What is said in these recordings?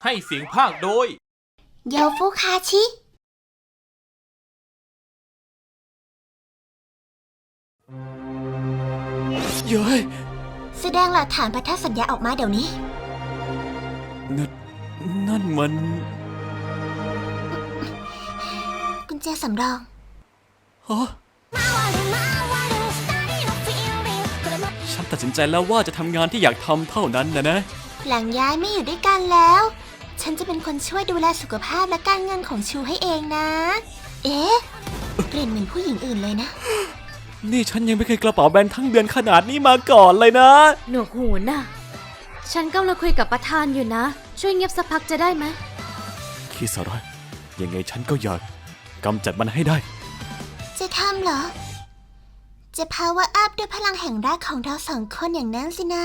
ให้เสียงภาคโดยโยฟุคาชิเย้ยแสดงหลักฐานพันธสัญญาออกมาเดี๋ยวนี้นั่นมันกุญแจสำรองฮะฉันตัดสินใจแล้วว่าจะทำงานที่อยากทำเท่านั้นนะหลังย้ายไม่อยู่ด้วยกันแล้ว ฉันจะเป็นคนช่วยดูแลสุขภาพและการเงินของชูให้เองนะเอ๊ะกลิ่นเหมือนผู้หญิงอื่นเลยนะนี่ฉันยังไม่เคยกระเป๋าแบนทั้งเดือนขนาดนี้มาก่อนเลยนะหนวกหูน่ะฉันกำลังคุยกับประธานอยู่นะช่วยเงียบสักพักจะได้ไหมคิสระยังไงฉันก็อยากกำจัดมันให้ได้จะทำเหรอจะ power up ด้วยพลังแห่งรักของเราสองคนอย่างนั้นสินะ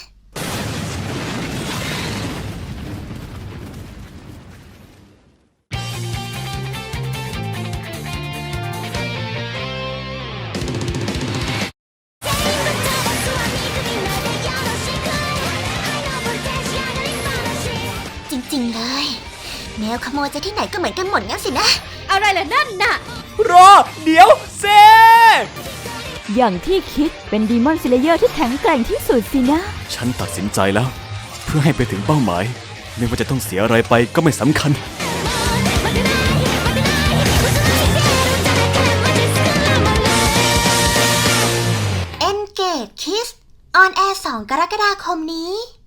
จริงๆเลยแมวขโมยจะที่ไหนก็เหมือนกันหมดงั้นสินะอะไรล่ะนั่นน่ะรอเดี๋ยวเซอย่างที่คิดเป็นดีมอนสเลเยอร์ที่แข็งแกร่งที่สุดสินะฉันตัดสินใจแล้วเพื่อให้ไปถึงเป้าหมายไม่ว่าจะต้องเสียอะไรไปก็ไม่สำคัญ Engage Kiss ออนแอร์2 กรกฎาคมนี้